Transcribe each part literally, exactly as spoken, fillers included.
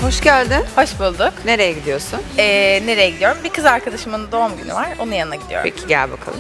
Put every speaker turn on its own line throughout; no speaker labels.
Hoş geldin.
Hoş bulduk.
Nereye gidiyorsun?
Ee, nereye gidiyorum? Bir kız arkadaşımın doğum günü var. Onun yanına gidiyorum.
Peki gel bakalım.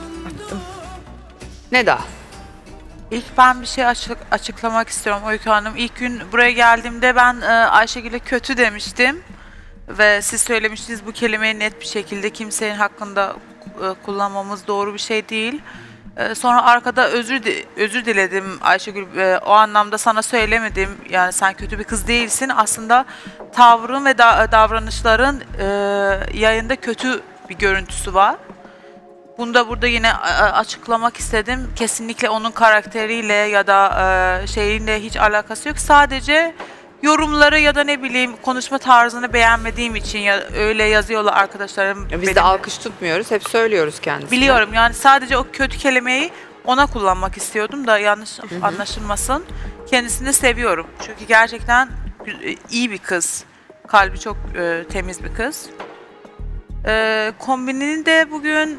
Ne daha?
İlk ben bir şey açık, açıklamak istiyorum Öykü Hanım. İlk gün buraya geldiğimde ben e, Ayşegül'e kötü demiştim. Ve siz söylemiştiniz bu kelimeyi net bir şekilde kimsenin hakkında e, kullanmamız doğru bir şey değil. E, sonra arkada özür di- özür diledim Ayşegül. E, o anlamda sana söylemedim. Yani sen kötü bir kız değilsin. Aslında tavrın ve da- davranışların e, yayında kötü bir görüntüsü var. Bunu da burada yine açıklamak istedim. Kesinlikle onun karakteriyle ya da e, şeyinle hiç alakası yok. Sadece yorumları ya da ne bileyim konuşma tarzını beğenmediğim için ya öyle yazıyorlar arkadaşlarım.
Biz
benim
de alkış tutmuyoruz. Hep söylüyoruz kendisine.
Biliyorum yani sadece o kötü kelimeyi ona kullanmak istiyordum da yanlış anlaşılmasın. Kendisini seviyorum. Çünkü gerçekten iyi bir kız. Kalbi çok e, temiz bir kız. E, kombinini de bugün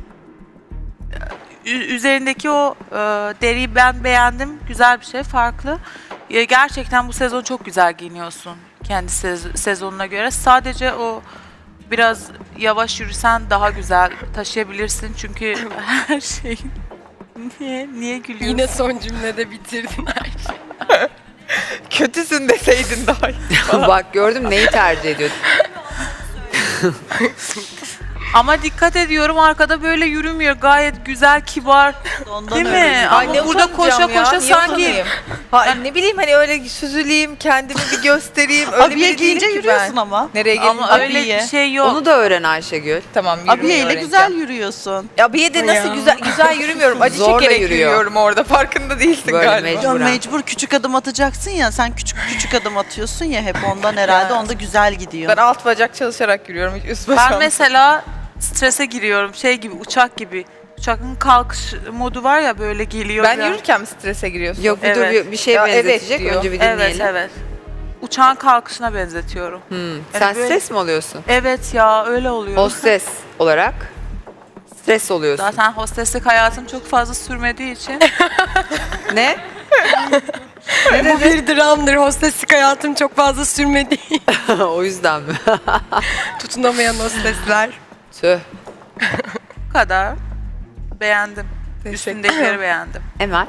üzerindeki o e, deriyi ben beğendim. Güzel bir şey, farklı. E, gerçekten bu sezon çok güzel giyiniyorsun kendi sez- sezonuna göre. Sadece o biraz yavaş yürüsen daha güzel taşıyabilirsin. Çünkü her şey... Niye? Niye gülüyorsun?
Yine son cümlede bitirdin her şeyi.
Kötüsün deseydin daha iyi.
Bak gördüm neyi tercih ediyordun.
Ama dikkat ediyorum arkada böyle yürümüyor. Gayet güzel, kibar.
Ondan
Değil
öyle.
mi?
Ay
Ama
ne
burada koşa
utanacağım ya,
koşa
niye
sanki...
utanayım? Ha, ne bileyim hani öyle süzüleyim, kendimi bir göstereyim. Öyle
Abiye
biri
giyince
değilim ki
yürüyorsun
ben.
ama.
Nereye gelince?
Ama öyle
Abiye.
bir şey yok.
Onu da öğren Ayşegül.
Tamam, yürümeyi
Abiye ile
öğreneceğim.
güzel yürüyorsun.
Abiye de nasıl
Ya.
güzel güzel yürümüyorum. Acı
Zorla
çekerek
yürüyor.
yürüyorum orada. Farkında değilsin
Böyle
galiba.
mecbur.
Ya
Burak.
mecbur küçük adım atacaksın ya. Sen küçük küçük adım atıyorsun ya hep ondan herhalde. Onda güzel gidiyor.
Ben alt bacak çalışarak yürüyorum. Hiç üst bacağım.
Ben mesela strese giriyorum. Şey gibi, uçak gibi. Uçakın kalkış modu var ya böyle geliyor.
Ben
biraz.
yürürken mi strese giriyorsun?
Yok bir
Evet.
dur bir şey
Ya evet
benzetecek.
diyor.
Önce bir dinleyelim.
Evet, evet. Uçağın kalkışına benzetiyorum.
Hmm.
Yani
Sen
böyle-
stres mi oluyorsun?
Evet ya, öyle oluyor.
Hostes olarak stres oluyorsun.
Zaten hosteslik hayatım çok fazla sürmediği için.
Ne?
Bu bir dramdır. Hosteslik hayatım çok fazla sürmedi.
O yüzden mi?
Tutunamayan hostesler.
Tüh.
Bu kadar. Beğendim. Üstündekileri beğendim.
Emel.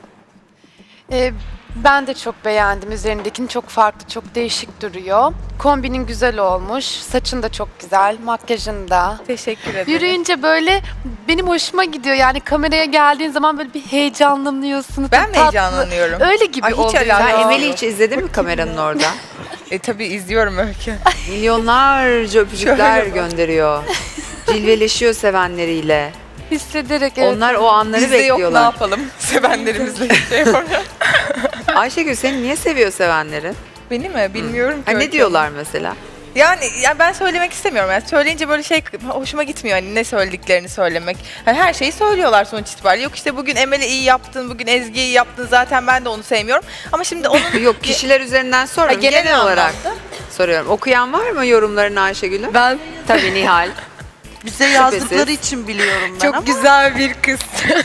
Ee, ben de çok beğendim. Üzerindekini çok farklı, çok değişik duruyor. Kombinin güzel olmuş. Saçın da çok güzel. Makyajın da.
Teşekkür ederim.
Yürüyünce böyle benim hoşuma gidiyor. Yani kameraya geldiğin zaman böyle bir heyecanlanıyorsun.
Ben mi
tatlı.
heyecanlanıyorum?
Öyle gibi
Ay, hiç
oluyor.
alakası
Sen
Aa.
Emel'i hiç izledin mi kameranın orada?
E tabii izliyorum Öykü.
Milyonlarca öpücükler
Şöyle bak.
gönderiyor. Cilveleşiyor sevenleriyle.
Hissederek evet.
Onlar o anları
Bizde yok, ne
bekliyorlar.
yapalım? Sevenlerimizle şey yapalım.
Ayşegül seni niye seviyor sevenlerin?
Beni mi? Bilmiyorum ki.
Ha, ne
Öykü.
diyorlar mesela?
Yani, yani ben söylemek istemiyorum. Yani söyleyince böyle şey hoşuma gitmiyor hani ne söylediklerini söylemek. Hani her şeyi söylüyorlar sonuç itibariyle. Yok işte bugün Emel'i iyi yaptın, bugün Ezgi'yi iyi yaptın. Zaten ben de onu sevmiyorum. Ama şimdi onun
Yok kişiler üzerinden sormuyorum.
Ha, genel
Genel, olarak
anlamda.
soruyorum. Okuyan var mı yorumlarını Ayşegül'ün?
Ben
Tabii Nihal.
Bize yazdıkları için biliyorum ben
çok
ama.
güzel bir kız.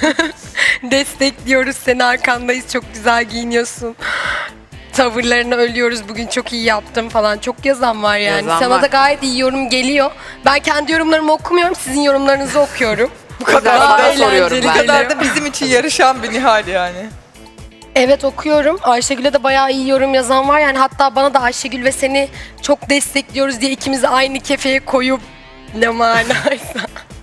Destekliyoruz seni, arkandayız. Çok güzel giyiniyorsun. Tavırlarını ölüyoruz. Bugün çok iyi yaptım falan. Çok yazan var yani.
Yazan
Sana
var.
da gayet iyi yorum geliyor. Ben kendi yorumlarımı okumuyorum. Sizin yorumlarınızı okuyorum.
Bu kadar
Daha
da soruyorum
eğlenceli
bu
ben.
kadar da bizim için yarışan bir Nihal yani.
Evet, okuyorum. Ayşegül'e de bayağı iyi yorum yazan var. Yani hatta bana da Ayşegül ve seni çok destekliyoruz diye ikimizi aynı kefeye koyup ne manaysa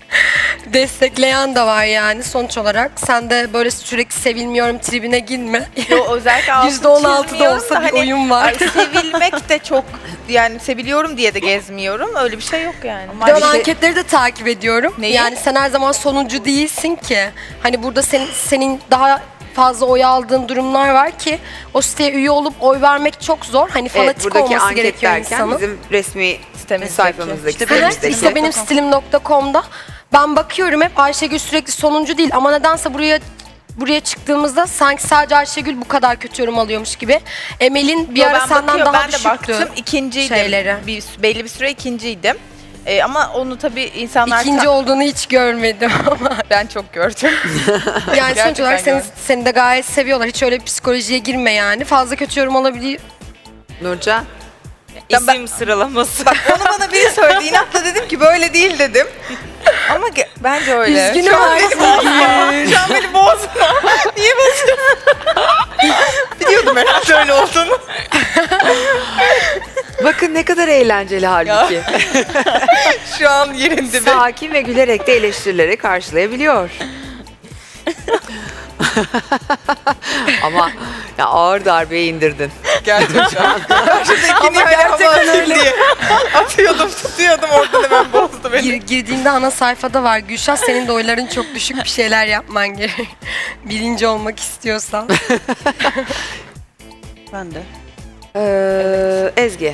destekleyen de var yani sonuç olarak. Sen de böyle sürekli sevilmiyorum tribine girme.
Yo, özellikle altını
yüzde on altıda
çizmiyorum
olsa
da
bir oyun var.
ay, sevilmek de çok yani seviliyorum diye de gezmiyorum. Öyle bir şey yok yani.
Bir de ben
bir şey-
anketleri de takip ediyorum.
Neyi?
Yani sen her zaman sonuncu değilsin ki. Hani burada senin, senin daha fazla oy aldığın durumlar var ki o siteye üye olup oy vermek çok zor. Hani
Evet
fanatik
buradaki
olması
anket
gerekiyor
derken
insanın.
bizim resmi
Sitemizdeki.
sayfamızdaki
İşte
Evet,
sitemizdeki.
işte benim stilim nokta com'da ben bakıyorum hep Ayşegül sürekli sonuncu değil ama nedense buraya buraya çıktığımızda sanki sadece Ayşegül bu kadar kötü yorum alıyormuş gibi. Emel'in bir
Yo,
ara
ben
senden
bakıyorum,
daha
ben de
düşüktü.
baktım ikinciydim.
şeyleri.
Bir, belli bir süre ikinciydim. Ee, ama onu tabii insanlar
İkinci olduğunu hiç görmedim ama
ben çok gördüm.
yani sonuç
Gerçekten
olarak seni,
gördüm.
seni de gayet seviyorlar. Hiç öyle bir psikolojiye girme yani. Fazla kötü yorum alabiliyor.
Nurcan.
Ya ben-
İsim sıralaması.
Bak onu bana biri söyledi. İnatla dedim ki böyle değil dedim. Ama ge- bence öyle.
Üzgünüm
Şu an beni bozma. Şu an beni bozma. Niye bozuyorsun? Biliyordum herhalde öyle olduğunu.
Bakın ne kadar eğlenceli halbuki.
Şu an yerinde bir.
Sakin ve gülerek de eleştirileri karşılayabiliyor. Ama ya ağır darbeyi indirdin.
Gerçekten. Şuradakini gerçekten öyle. Diye. Atıyordum, tutuyordum oradan hemen bozdu beni.
Gir, girdiğinde ana sayfada var. Gülşah senin de oyların çok düşük, bir şeyler yapman gerek. Birinci olmak istiyorsan.
Ben de.
Ee, Ezgi.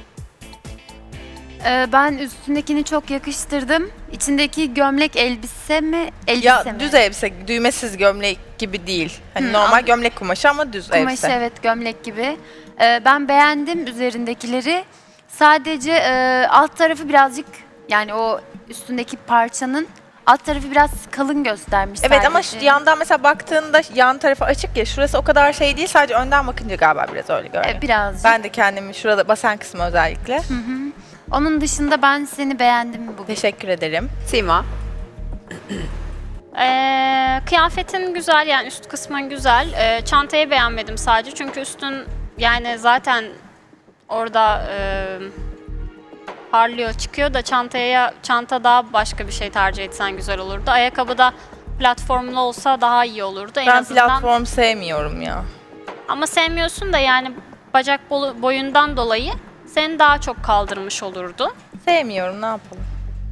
Ee, ben üstündekini çok yakıştırdım. İçindeki gömlek elbise mi? Elbise
Ya
mi?
düz elbise, düğmesiz gömlek gibi değil. Hani
Hı,
normal
anladım.
gömlek kumaşı ama düz
Kumaşı
elbise.
evet gömlek gibi. Ee, ben beğendim üzerindekileri. Sadece e, alt tarafı birazcık yani o üstündeki parçanın alt tarafı biraz kalın göstermiş
Evet ama
sadece.
şu yandan mesela baktığında yan tarafı açık ya, şurası o kadar şey değil, sadece önden bakınca galiba biraz öyle görünüyor.
E, birazcık.
Ben de kendimi şurada basen kısmı özellikle.
Onun dışında ben seni beğendim bugün.
Teşekkür ederim.
Sima.
Ee, kıyafetin güzel yani üst kısmın güzel. Ee, çantayı beğenmedim sadece çünkü üstün yani zaten orada e, parlıyor çıkıyor da çantaya çanta daha başka bir şey tercih etsen güzel olurdu. Ayakkabı da platformlu olsa daha iyi olurdu en
Ben
azından.
platform sevmiyorum ya.
Ama sevmiyorsun da yani bacak bolu- boyundan dolayı seni daha çok kaldırmış olurdu.
Sevmiyorum, ne yapalım.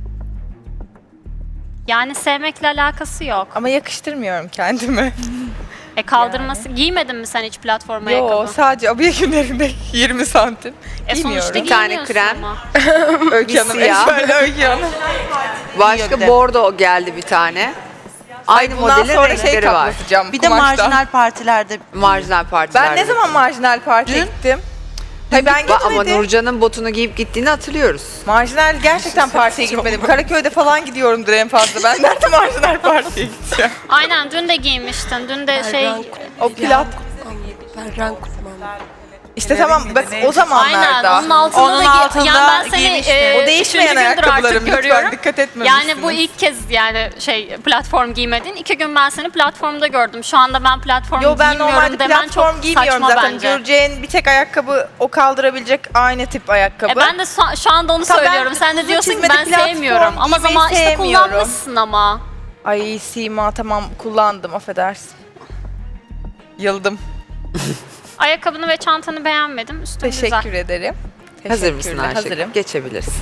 Yani sevmekle alakası yok.
Ama yakıştırmıyorum kendimi.
E kaldırması giymedin mi sen hiç platform
Yo,
ayakkabı?
sadece abiye günlerinde yirmi santim.
E
Giymiyorum.
sonuçta
Bir tane
giyiniyorsun
krem.
ama.
Öykü Hanım,
siyah.
şöyle Öykü Hanım.
Başka
bir de.
bordo geldi bir tane. Aynı
Bundan
modelin
sonra
renkleri
şey
var.
kaplatacağım
Bir de
kumaştan.
marjinal partilerde
Marjinal partilerde.
Ben ne zaman marjinal parti
Dün.
gittim? Hayır ben
Ba- Ama
gitmedim.
Nurcan'ın botunu giyip gittiğini hatırlıyoruz.
Marjinal gerçekten partiye gitmedim. Karaköy'de falan gidiyorumdur en fazla. Ben nerede marjinal partiye gideceğim?
Aynen dün de giymiştin. Dün de şey
Berran
O plat.
Berran Kutman.
İşte tamam bak o
aynen
zamanlarda.
onun altında
Onun
da giy-
altında
yani ben seni
giymiştin.
e,
O değişmeyen
üçüncü gündür
ayakkabılarım
artık
lütfen
görüyorum.
dikkat etmemişsiniz.
Yani bu ilk kez yani şey platform giymedin. İki gün ben seni platformda gördüm. Şu anda ben platform
Yo ben
giymiyorum
normalde
demen
platform
çok
giymiyorum
saçma
zaten.
bence.
Göreceğin bir tek ayakkabı o kaldırabilecek aynı tip ayakkabı.
E ben de şu, şu anda onu
Tabii ben
söylüyorum. Sen de
uzun
diyorsun ki
çizmeli
ben
platform
sevmiyorum. Ama
giymeyi
zaman işte
sevmiyorum.
kullanmışsın ama.
Ay Sima tamam kullandım affedersin. Yıldım.
Ayakkabını ve çantanı beğenmedim. Üstün
Teşekkür
güzel.
ederim.
Hazır mısın
Teşekkürler,
Ayşegül?
Hazırım.
Geçebilirsin.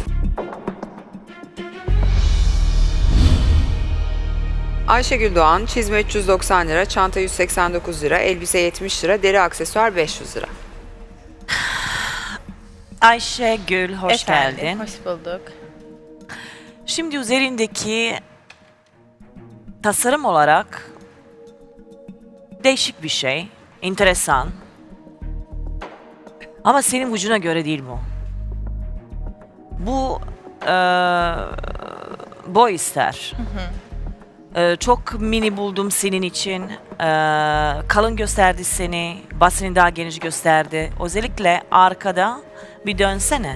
Ayşegül Doğan, çizme üç yüz doksan lira, çanta yüz seksen dokuz lira, elbise yetmiş lira, deri aksesuar beş yüz lira.
Ayşegül hoş
Efendim,
geldin.
Hoş bulduk.
Şimdi üzerindeki tasarım olarak değişik bir şey, enteresan. Ama senin vücuduna göre değil bu. Bu eee boy ister. Eee, çok mini buldum senin için. Eee, kalın gösterdi seni, basını daha geniş gösterdi. Özellikle arkada bir dönsene.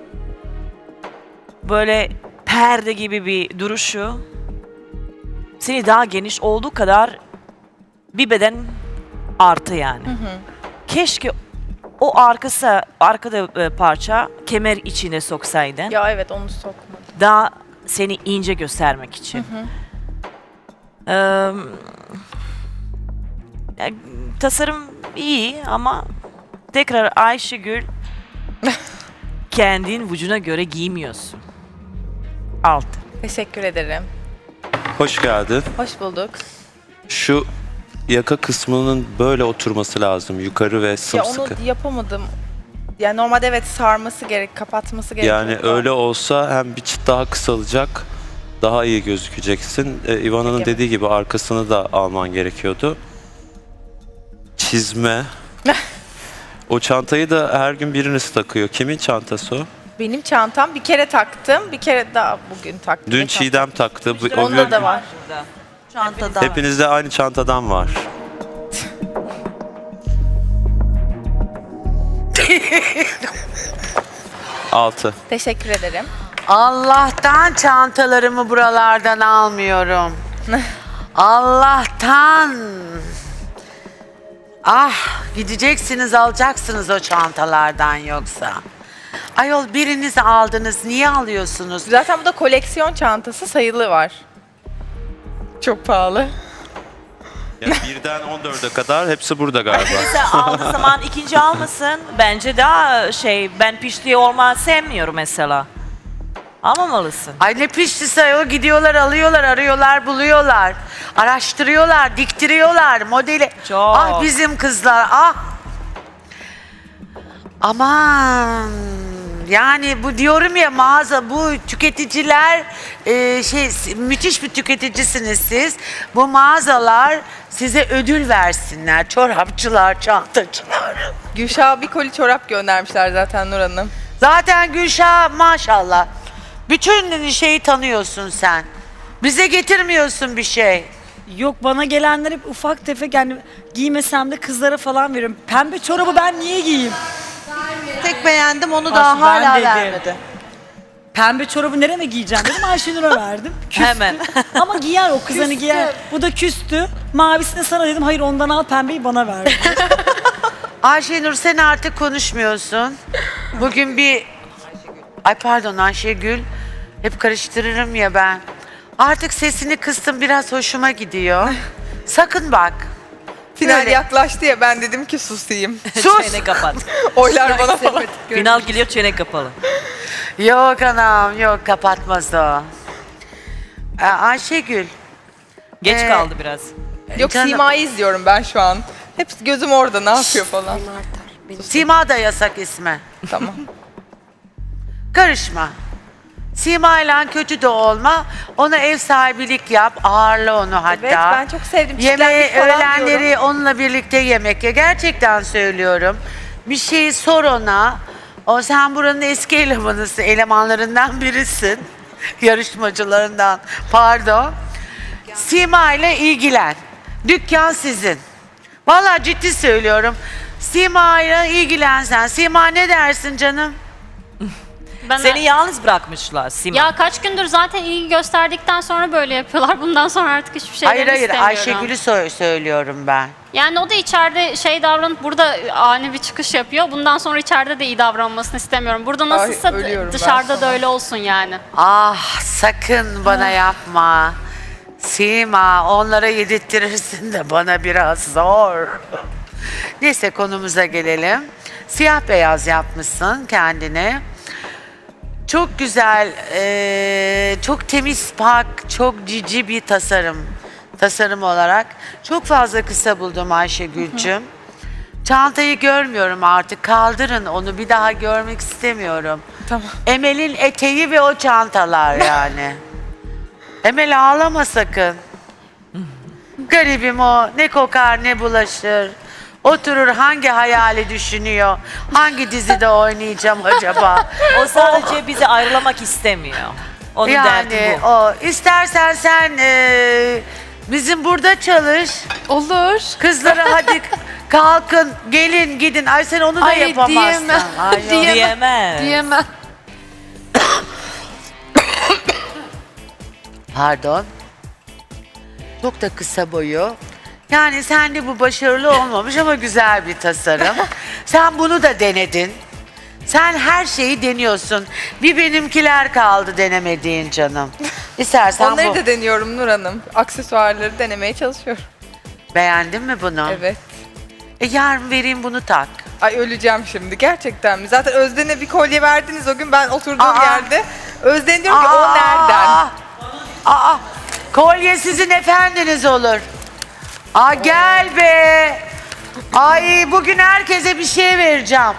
Böyle perde gibi bir duruşu seni daha geniş olduğu kadar bir beden artı yani. Keşke o arkası arkada e, parça kemer içine soksaydın.
Ya evet onu sokmadım.
Daha seni ince göstermek için. Eee, ya, tasarım iyi ama tekrar Ayşegül kendin vücuduna göre giymiyorsun. Alt.
Teşekkür ederim.
Hoş geldin.
Hoş bulduk.
Şu yaka kısmının böyle oturması lazım. Yukarı ve
Ya
sımsıkı.
onu yapamadım. Yani normalde evet sarması gerek, kapatması gerek.
Yani öyle olsa hem bir çıt daha kısalacak, daha iyi gözükeceksin. Ee, Ivana'nın
Peki.
dediği gibi arkasını da alman gerekiyordu. Çizme. O çantayı da her gün biriniz takıyor. Kimin çantası o?
Benim çantam bir kere taktım, bir kere daha bugün taktım.
Dün
Geçen
Çiğdem taktı. Bu- o
Onda
gün-
da var.
çantada.
Hepinizde aynı çantadan var. altı.
Teşekkür ederim.
Allah'tan çantalarımı buralardan almıyorum. Allah'tan. Ah, gideceksiniz alacaksınız o çantalardan yoksa. Ayol biriniz aldınız, niye alıyorsunuz?
Zaten bu da koleksiyon çantası, sayılı var. Çok pahalı.
Yani birden on dörde kadar hepsi burada galiba.
Mesela aldığı zaman ikinci almasın. Bence daha şey, ben piştiği olma sevmiyorum mesela. Almamalısın.
Ay ne piştisi ayol, gidiyorlar alıyorlar, arıyorlar, buluyorlar. Araştırıyorlar, diktiriyorlar modeli.
Çok.
Ah bizim kızlar, ah. Aman. Yani bu diyorum ya, mağaza, bu tüketiciler e, şey müthiş bir tüketicisiniz siz. Bu mağazalar size ödül versinler. Çorapçılar, çantacılar.
Gülşah'a bir koli çorap göndermişler zaten Nur Hanım.
Zaten Gülşah maşallah. Bütün şeyi tanıyorsun sen. Bize getirmiyorsun bir şey.
Yok, bana gelenler hep ufak tefek, yani giymesem de kızlara falan veriyorum. Pembe çorabı ben niye giyeyim?
Tek beğendim onu
Bak,
daha
ben
hala
dedim.
vermedi.
Pembe çorabı nereme giyeceğim dedim, Ayşenur'a verdim. Küstü.
Hemen.
Ama giyer o kız, hani giyer. Bu da küstü. Mavisini sana dedim, hayır ondan al, pembeyi bana ver.
Ayşenur sen artık konuşmuyorsun. Bugün bir... Ay pardon Ayşegül. Hep karıştırırım ya ben. Artık sesini kıstım, biraz hoşuma gidiyor. Sakın bak.
Final
Böyle.
yaklaştı ya, ben dedim ki susayım.
Sus!
Çene kapat.
Oylar bana falan.
Final geliyor, çene kapalı.
Yok anam yok, kapatmaz o. Ee, Ayşegül.
Geç
Ee,
kaldı biraz.
Yok,
Canım.
Sima'yı izliyorum ben şu an. Hep gözüm orada, ne yapıyor falan.
Sima da yasak ismi.
Tamam.
Karışma. Sima ile kötü de olma. Ona ev sahibilik yap. Ağırla onu hatta.
Evet, ben çok sevdim.
Yemeği,
Çitlendik falan
öğlenleri
diyorum.
onunla birlikte yemek ya. Gerçekten söylüyorum. Bir şeyi sor ona. O, sen buranın eski elemanısın. Elemanlarından birisin. Yarışmacılarından. Pardon. Sima ile ilgilen. Dükkan sizin. Vallahi ciddi söylüyorum. Sima ile ilgilensen. Sima ne dersin canım?
Ben
Seni yalnız bırakmışlar Sima.
ya kaç gündür zaten ilgi gösterdikten sonra böyle yapıyorlar. Bundan sonra artık hiçbir şey
Hayır hayır
istemiyorum.
Ayşegül'ü sö- söylüyorum ben.
Yani o da içeride şey davranıp burada ani bir çıkış yapıyor. Bundan sonra içeride de iyi davranmasını istemiyorum. Burada nasılsa
Ay, ölüyorum ben
dışarıda da
sana.
öyle olsun yani.
Ah sakın bana yapma. Sima, onlara yedirttirirsin de bana biraz zor. Neyse konumuza gelelim. Siyah beyaz yapmışsın kendine. Çok güzel, eee, çok temiz, pak, çok cici bir tasarım. Tasarım olarak. Çok fazla kısa buldum Ayşegül'cüm. Çantayı görmüyorum artık. Kaldırın onu. Bir daha görmek istemiyorum.
Tamam.
Emel'in eteği ve o çantalar yani. Emel ağlama sakın. Garibim o. Ne kokar ne bulaşır. Oturur hangi hayali düşünüyor. Hangi dizide oynayacağım acaba?
O sadece bizi ayrılamak istemiyor. Onun derdi
Yani
bu.
o. İstersen sen eee, bizim burada çalış.
Olur.
Kızlara hadi kalkın gelin gidin. Ay sen onu da
Ay,
yapamazsın.
diyemem.
Ay, yok.
Diyemem.
Diyemez.
Diyemem.
Pardon. Çok da kısa boyu. Yani sende bu başarılı olmamış ama güzel bir tasarım. Sen bunu da denedin. Sen her şeyi deniyorsun. Bir benimkiler kaldı denemediğin canım. İstersen
Onları
bu.
da deniyorum Nur Hanım. Aksesuarları denemeye çalışıyorum.
Beğendin mi bunu?
Evet.
E yarın vereyim bunu tak.
Ay öleceğim şimdi, gerçekten mi? Zaten Özden'e bir kolye verdiniz o gün ben oturduğum
Aa.
yerde. Özden diyor ki o nereden?
Aa, kolye sizin efendiniz olur. Aa gel be. Ay bugün herkese bir şey vereceğim.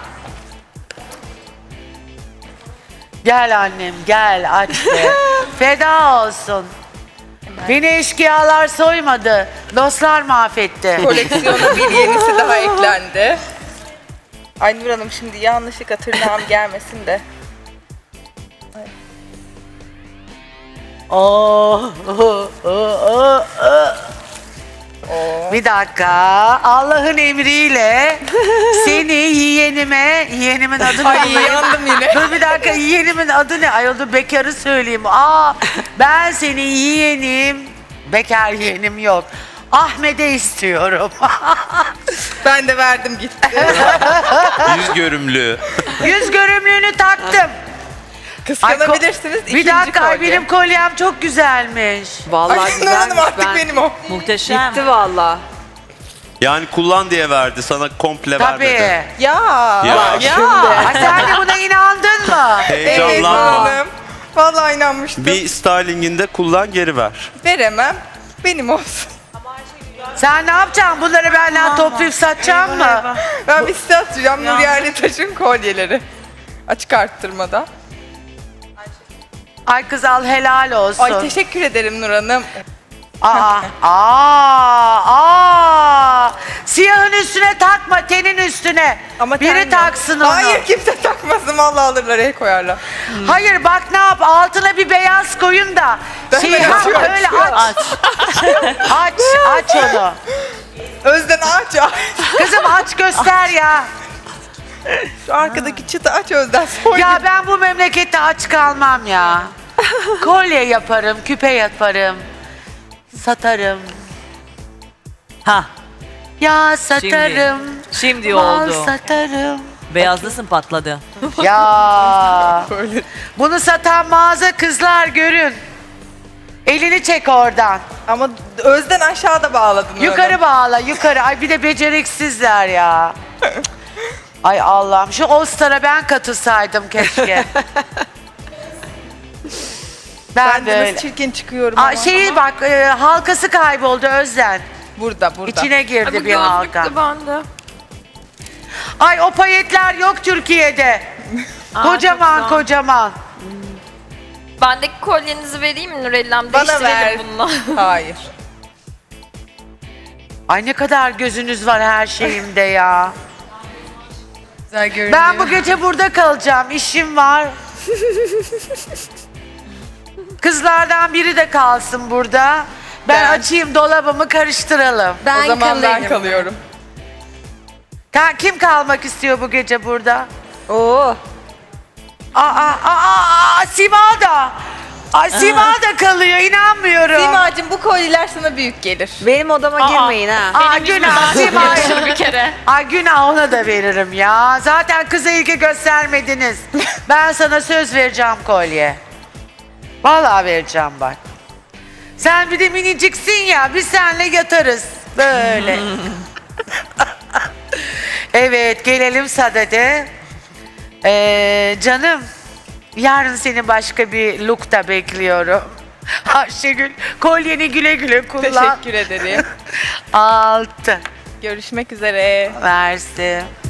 Gel annem gel aç be. Feda olsun. Beni eşkıyalar soymadı. Dostlar mahvetti.
Koleksiyona bir yenisi daha eklendi. Ay Nur Hanım şimdi yanlışlıkla tırnağım gelmesin de.
Oh, oh, oh, oh, oh. Bir dakika. Allah'ın emriyle seni yeğenime, yeğenimin adı ne?
Ay yandım yine.
Dur bir dakika, yeğenimin adı ne? Ay dur bekarı söyleyeyim. Aa, ben seni yeğenim, bekar yeğenim yok. Ahmet'e istiyorum.
Ben de verdim gitti.
Yüz görümlü.
Yüz görümlüğünü taktım.
Kıskanabilirsiniz.
Bir
İkinci
dakika, ay
kolye.
benim kolyem çok güzelmiş.
Vallahi
Ay Nur
güzelmiş.
Hanım artık
Ben
benim o.
Muhteşem.
gitti vallahi.
Yani kullan diye verdi, sana komple vermedi.
Tabii.
Ya.
Ya.
Ya.
Ay, sen de buna inandın mı?
Evet Nur
Heyecanlanma.
Hanım. Vallahi inanmıştım.
Bir stylinginde kullan, geri ver.
Veremem. Benim olsun.
Sen ne yapacaksın? Bunları benden toplayıp satacaksın mı?
Ben bir size atacağım Nur Yerlitaş'ın kolyeleri. Açık arttırmada.
Ay kız al, helal olsun.
Ay teşekkür ederim Nur Hanım.
Aa, aa, aa. Siyahın üstüne takma, tenin üstüne.
Ama
Biri
ten yok.
taksın onu.
Hayır kimse takmasın. Vallahi alırlar el koyarlar.
Hayır bak ne yap, altına bir beyaz koyun da.
Ben
Şey,
hemen
ha,
açıyorum,
öyle
açıyorum.
aç. aç, aç onu.
Özden aç aç.
Kızım aç göster ya.
Şu arkadaki çıtı aç Özden. Soy
Ya ben bu memlekette aç kalmam ya. Kolye yaparım, küpe yaparım. Satarım.
Ha,
Ya satarım.
şimdi
Mal
oldu.
satarım.
Beyazlısın patladı.
Ya.
Böyle.
Bunu satan mağaza kızlar görün. Elini çek oradan.
Ama Özden aşağıda bağladın. Nur
Yukarı
Hanım.
bağla, yukarı. Ay bir de beceriksizler ya. Ay Allah'ım, şu All Star'a ben katılsaydım keşke. ben,
Ben
de
de
öyle.
nasıl çirkin çıkıyorum
Aa,
ama.
şeyi bak, e, halkası kayboldu Özden.
Burada burada.
İçine girdi bir halka. Ay o payetler yok Türkiye'de. kocaman kocaman.
Bendeki kolyenizi vereyim mi Nurellam?
Bana ver.
Değiştirelim bununla.
Hayır.
Ay ne kadar gözünüz var her şeyimde ya.
Güzel görünüyor.
Ben bu gece burada kalacağım. İşim var. Kızlardan biri de kalsın burada. Ben,
Ben.
açayım dolabımı, karıştıralım.
Ben
o zaman ben
kalayım.
kalıyorum.
Ka- Kim kalmak istiyor bu gece burada?
Oo.
Aa, aa, aa, aa, Sima da. Ay, Sima da kalıyor, inanmıyorum.
Simacığım bu kolyeler sana büyük gelir.
Benim odama girmeyin ha.
Aa, günah Sima.
bir kere.
Ay günah, ona da veririm ya. Zaten kıza ilgi göstermediniz. Ben sana söz vereceğim kolye. Vallahi vereceğim bak. Sen bir de miniciksin ya, biz seninle yatarız. Böyle. Evet, gelelim Sadede. Ee, canım, yarın seni başka bir lookta bekliyorum. Ayşegül, kolyeni güle güle kullan.
Teşekkür ederim.
Altı.
Görüşmek üzere.
Versin.